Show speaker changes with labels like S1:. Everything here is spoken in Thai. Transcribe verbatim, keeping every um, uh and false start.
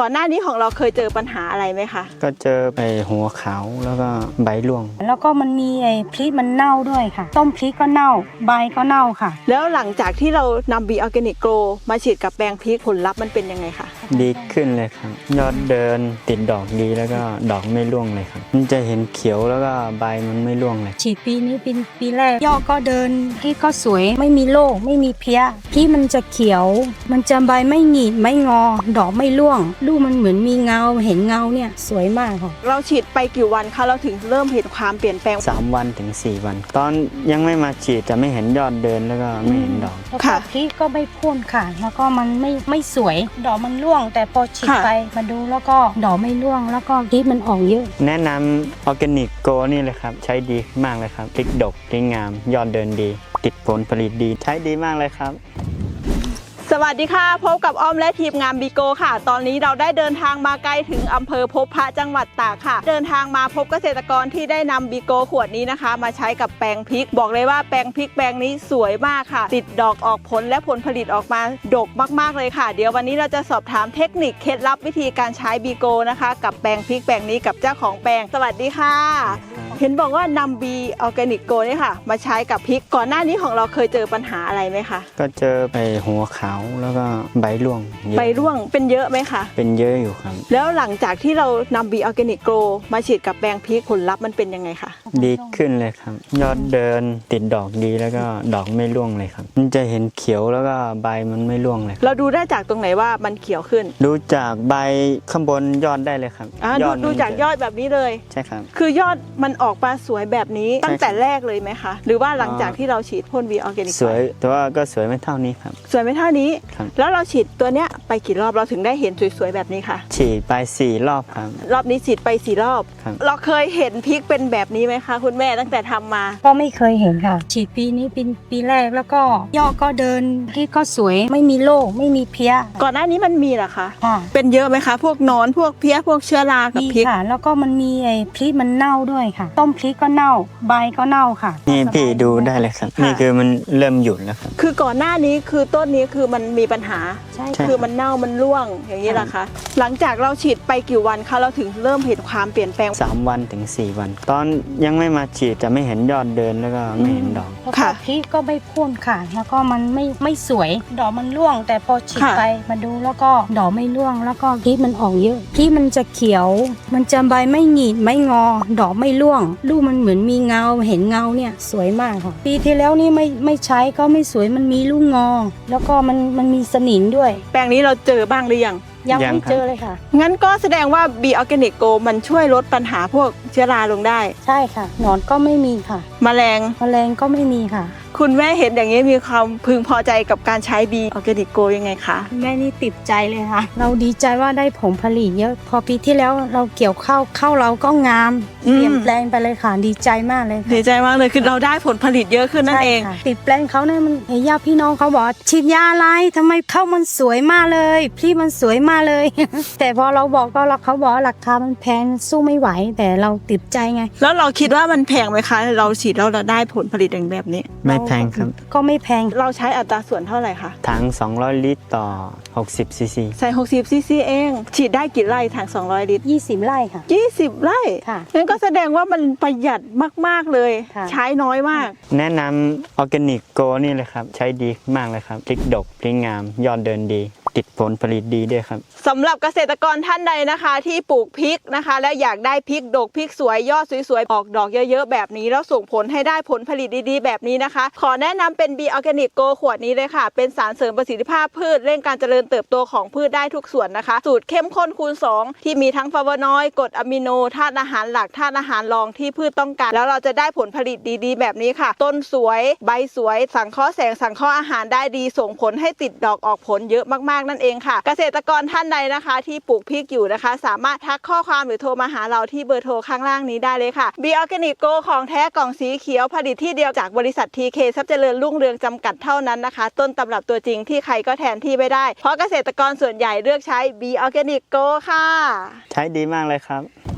S1: ก่อนหน้านี้ของเราเคยเจอปัญหาอะไรไหมคะ
S2: ก็เจอไอ้หัวขาวแล้วก็ใบร่วง
S3: แล้วก็มันมีไอ้พริกมันเน่าด้วยค่ะต้มพริกก็เน่าใบก็เน่าค่ะ
S1: แล้วหลังจากที่เรานำ B Organic Grow มาฉีดกับแปลงพริกผลลัพธ์มันเป็นยังไงคะ
S2: ดีขึ้นเลยครับยอดเดินติดดอกดีแล้วก็ดอกไม่ร่วงเลยครับมันจะเห็นเขียวแล้วก็ใบมันไม่ร่วงเลย
S3: ฉีดปีนี้เป็นปีแรกยอดก็เดินพริกก็สวยไม่มีโรคไม่มีเพี้ยพริกมันจะเขียวมันจะใบไม่หงิกไม่งอดอกไม่ร่วงลูกมันเหมือนมีเงาเห็นเงาเนี่ยสวยมากค่ะ
S1: เราฉีดไปกี่วันคะเราถึงเริ่มเห็นความเปลี่ยนแปลง
S2: สามวันถึงสี่วันตอนยังไม่มาฉีดจะไม่เห็นยอดเดินแล้วก็ไม่เห็นดอก
S3: ค่ะพริกก็ไม่พ่นค่ะแล้วก็มันไม่ไม่สวยดอกมันร่วงแต่พอฉีดไปมาดูแล้วก็ดอกไม่ร่วงแล้วก็พริกมันออกเยอะ
S2: แนะนำออร์แกนิกโกนี่เลยครับใช้ดีมากเลยครับพริกดกพริกงามยอดเดินดีติดผลผลิตดีใช้ดีมากเลยครับ
S1: สวัสดีค่ะพบกับอ้อมและทีมงานบีโกค่ะตอนนี้เราได้เดินทางมาไกลถึงอำเภอพบพระจังหวัดตากค่ะเดินทางมาพบเกษตรกรที่ได้นำบีโกขวดนี้นะคะมาใช้กับแปลงพริกบอกเลยว่าแปลงพริกแปลงนี้สวยมากค่ะติดดอกออกผลและผลผลิตออกมาดกมากๆเลยค่ะเดี๋ยววันนี้เราจะสอบถามเทคนิคเคล็ดลับวิธีการใช้บีโกนะคะกับแปลงพริกแปลงนี้กับเจ้าของแปลงสวัสดีค่ะเห็นบอกว่านำ B Organic Grow นี่ค่ะมาใช้กับพริกก่อนหน้านี้ของเราเคยเจอปัญหาอะไรไหมคะ
S2: ก็เจอไอ้หัวขาวแล้วก็ใบร่วง
S1: ใบร่วงเป็นเยอะไหมคะ
S2: เป็นเยอะอยู่ครับ
S1: แล้วหลังจากที่เรานำ B Organic Grow มาฉีดกับแปลงพริกผลลัพธ์มันเป็นยังไงคะ
S2: ดีขึ้นเลยครับยอดเดินติดดอกดีแล้วก็ดอกไม่ร่วงเลยครับมันจะเห็นเขียวแล้วก็ใบมันไม่ร่วงเลย
S1: เราดูได้จากตรงไหนว่ามันเขียวขึ้น
S2: ดูจากใบข้างบนยอดได้เลยครับ
S1: ยอดดูจากยอดแบบนี้เลย
S2: ใช่ครับ
S1: คือยอดมันออกมาสวยแบบนี้ตั้งแต่แรกเลยไหมคะหรือว่าหลังจากที่เราฉีดพ่น B Organic
S2: สวยแต่ว่าก็สวยไม่เท่านี้ครับ
S1: สวยไม่เท่านี้แล้วเราฉีดตัวเนี้ยไปกี่รอบเราถึงได้เห็นสวยๆแบบนี้ค่ะ
S2: ฉีดไปสี่รอบครับ
S1: รอบนี้ฉีดไปสี่รอบเราเคยเห็นพริกเป็นแบบนี้ไหมคะคุณแม่ตั้งแต่ทำมา
S3: ก็ไม่เคยเห็นค่ะฉีดปีนี้เป็นปีแรกแล้วก็ยอดก็เดินพริกก็สวยไม่มีโรคไม่มีเพี้ย
S1: ก่อนหน้านี้มันมีเหรอคะ
S3: ค่ะ
S1: เป็นเยอะไหมคะพวกนอนพวกเพี้ยพวกเชื้อรากับพริก
S3: ค่ะแล้วก็มันมีไอ้พริกมันเน่าด้วยค่ะต้มพริกก็เน่าใบก็เน่าค่ะ
S2: นี่พี่ดูได้เลยครับนี่คือมันเริ่มหยุดแล้วครับ
S1: คือก่อนหน้านี้คือต้นนี้คือมันมีปัญหา
S3: ใช่
S1: คือมันเน่ามันร่วงอย่างนี้แหละคะหลังจากเราฉีดไปกี่วันคะเราถึงเริ่มเห็นความเปลี่ยนแปลง
S2: สามวันถึงสี่วันตอนยังไม่มาฉีดจะไม่เห็นยอดเดินแล้วก็ไม่เห็นดอก
S3: ค่ะพริกก็ไม่พ่นค่ะแล้วก็มันไม่ไม่สวยดอกมันร่วงแต่พอฉีดไปมาดูแล้วก็ดอกไม่ร่วงแล้วก็พริกมันออกเยอะพริกมันจะเขียวมันจะใบไม่หงิกไม่งอดอกไม่ร่วงลูกมันเหมือนมีเงาเห็นเงาเนี่ยสวยมากค่ะปีที่แล้วนี่ไม่ไม่ใช้ก็ไม่สวยมันมีลูกงอแล้วก็มันมันมีสนิมด้วย
S1: แปลงนี้เราเจอบ้างหรือยัง
S3: ยังไม่เจอเลยค่ะ
S1: งั้นก็แสดงว่า B Organic Grow มันช่วยลดปัญหาพวกเชื้อราลงได้
S3: ใช่ค่ะหนอนก็ไม่มีค่ะ
S1: แมลง
S3: แมลงก็ไม่มีค่ะ
S1: คุณแม่เห็นอย่างนี้มีความพึงพอใจกับการใช้ B Organic Grow ยังไงคะ
S3: แม่นี่ติดใจเลยค่ะเราดีใจว่าได้ผลผลิตเยอะพอปีที่แล้วเราเกี่ยวข้าวข้าวเราก็งามเปลี่ยนแปลงไปเลยค่ะดีใจมากเลย
S1: ดีใจมากเลยคือเราได้ผลผลิตเยอะขึ้นนั่นเอง
S3: ติดแปลงเขาเนี่ยมันญาติพี่น้องเขาบอกฉีดยาอะไรทำไมข้าวมันสวยมากเลยพี่มันสวยมากเลย แต่พอเราบอกก็เขาบอกราคามันแพงสู้ไม่ไหวแต่เราติดใจไง
S1: แล้วเราคิดว่ามันแพงไหมคะเราฉีดแล้วเราได้ผลผลิตอย่างแบบนี้
S2: ไม่แพงครับ
S3: ก็ไม่แพง
S1: เราใช้อัตราส่วนเท่าไหร่คะ
S2: ถังสองร้อยลิตรต่อหกสิบซีซี
S1: ใส่หกสิบซีซีเองฉีดได้กี่ไร่ถังสองร้อยลิตร
S3: ยี่สิบไร่ค่ะ
S1: ยี่สิบไร่
S3: ค่ะ
S1: นั่นก็แสดงว่ามันประหยัดมากๆเลยใช้น้อยมาก
S2: แนะนำออร์แกนิกโกนี่เลยครับใช้ดีมากเลยครับพริกดกพริกงามยอดเดินดีติดผลผลิตดีด้วยครับ
S1: สำหรับเกษตรกรท่านใดนะคะที่ปลูกพริกนะคะและอยากได้พริกดกพริกสวยยอดสวยๆออกดอกเยอะๆแบบนี้แล้วส่งผลให้ได้ผลผลิตดีๆแบบนี้นะคะขอแนะนำเป็น B Organic Grow ขวดนี้เลยค่ะเป็นสารเสริมประสิทธิภาพพืชเร่งการเจริญเติบโตของพืชได้ทุกส่วนนะคะสูตรเข้มข้นคูณสองที่มีทั้งฟลาโวนอยด์กรดอะมิโนธาตุอาหารหลักธาตุอาหารรองที่พืชต้องการแล้วเราจะได้ผลผลิตดีๆแบบนี้ค่ะต้นสวยใบสวยสังเคราะห์แสงสังเคราะห์อาหารได้ดีส่งผลให้ติดดอกออกผลเยอะมากๆนั่นเองค่ะเกษตรกรท่านใดนะคะที่ปลูกพริกอยู่นะคะสามารถทักข้อความหรือโทรมาหาเราที่เบอร์โทรข้างล่างนี้ได้เลยค่ะ B Organic Grow ของแท้กล่องสีเขียวผลิตที่เดียวจากบริษัท ที เค ทรัพย์เจริญรุ่งเรืองจำกัดเท่านั้นนะคะต้นตำรับตัวจริงที่ใครก็แทนที่ไม่ได้เพราะเกษตรกรส่วนใหญ่เลือกใช้ B Organic Grow ค่ะ
S2: ใช้ดีมากเลยครับ